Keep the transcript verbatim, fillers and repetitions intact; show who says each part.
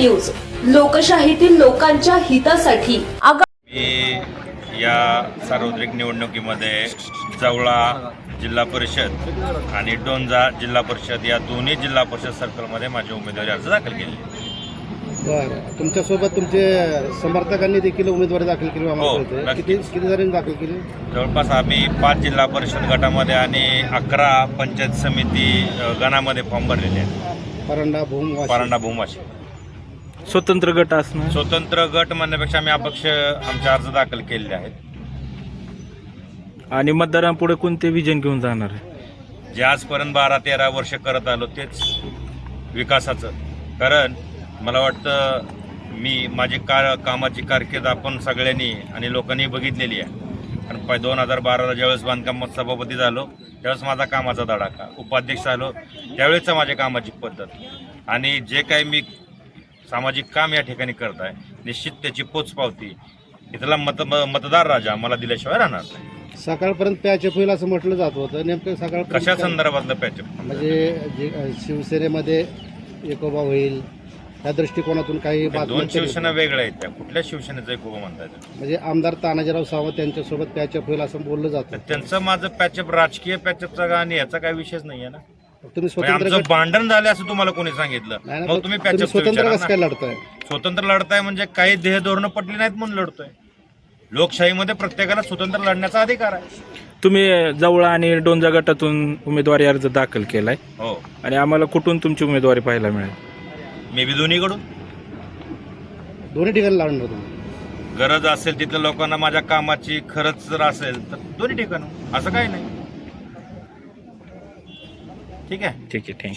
Speaker 1: News, लोकशाहीतील लोकांच्या हितासाठी.
Speaker 2: मी या सार्वत्रिक निवडणुकीमध्ये जवळा जिल्हा परिषद आणि डोंजा जिल्हा परिषद या दोन्ही जिल्हा परिषद सर्कलमध्ये माझी उमेदवारी अर्ज दाखल केली.
Speaker 3: बरं, तुमच्यासोबत तुमचे समर्थकांनी देखील उमेदवारी दाखल केली
Speaker 2: हो,
Speaker 3: आम्हाला कळतंय.
Speaker 2: नक्कीच.
Speaker 3: किती किती जणांनी दाखल केली?
Speaker 2: जवळपास आम्ही पाच जिल्हा परिषद गटामध्ये आणि अकरा पंचायत समिती अ, गणामध्ये फॉर्म भरलेले आहेत.
Speaker 3: परांडा भूम वाशी.
Speaker 2: परांडा भूमाशी
Speaker 4: स्वतंत्र गट असणं.
Speaker 2: स्वतंत्र गट म्हणण्यापेक्षा आम्ही अपक्ष आमचे अर्ज दाखल केलेले आहेत.
Speaker 4: आणि मतदारांपुढे कोणते विजन घेऊन जाणार आहे?
Speaker 2: जे आजपर्यंत बारा तेरा वर्ष करत आलो तेच विकासाचं. कारण मला वाटतं मी माझी कार कामाची कारकीर्द आपण सगळ्यांनी आणि लोकांनी बघितलेली आहे. कारण पाय दोन हजार बाराला ज्यावेळेस बांधकामात सभापती झालो त्यावेळेस माझा कामाचा धडाका, उपाध्यक्ष झालो त्यावेळेसचा माझ्या कामाची पद्धत आणि जे काही मी सामाजिक काम या ठिकाणी करत आहे निश्चित त्याची पोचपावती इथला मत मतदार राजा मला दिल्याशिवाय राहणार नाही.
Speaker 3: सकाळपर्यंत पॅचअप होईल असं म्हटलं जात होतं. नेमकं सकाळ
Speaker 2: कशा संदर्भातलं पॅचअप?
Speaker 3: म्हणजे जे शिवसेनेमध्ये एकोबा होईल या दृष्टिकोनातून काही
Speaker 2: दोन
Speaker 3: बातम्या
Speaker 2: शिवसेना वेगळ्या आहेत. त्या कुठल्या शिवसेनेचं एक उभं म्हणता येतं?
Speaker 3: म्हणजे आमदार तानाजीराव सावंत यांच्यासोबत पॅचअप होईल असं बोललं जातं.
Speaker 2: त्यांचं माझं पॅचअप राजकीय पॅचअपचा आणि याचा काही विषयच नाहीये ना.
Speaker 3: तुम्ही
Speaker 2: म्हणजे
Speaker 3: स्वतंत्र
Speaker 2: आमचं
Speaker 3: गट-
Speaker 2: भांडण झालं असं तुम्हाला कोणी सांगितलं?
Speaker 3: नाही ना,
Speaker 2: मग
Speaker 3: पण
Speaker 2: तुम्ही
Speaker 3: तुम्ही
Speaker 2: पॅचअप
Speaker 3: स्वतंत्र कसं काय लढताय?
Speaker 2: स्वतंत्र लढताय म्हणजे काही ध्येय धोरणं पटली नाहीत म्हणून लढतोय. लोकशाहीमध्ये प्रत्येकाला स्वतंत्र लढण्याचा अधिकार आहे.
Speaker 4: तुम्ही जवळा आणि डोंजा गटातून उमेदवारी अर्ज दाखल केलाय
Speaker 2: हो,
Speaker 4: आणि आम्हाला कुठून तुमची उमेदवारी पाहायला मिळेल?
Speaker 2: मी बी दोन्हीकडून
Speaker 3: दोन्ही ठिकाणी लढणार तुम्ही?
Speaker 2: गरज असेल तिथल्या लोकांना माझ्या कामाची खरंच जर असेल तर दोन्ही ठिकाण, असं काही नाही. ठीक आहे.
Speaker 4: ठीक आहे, थँक्यू.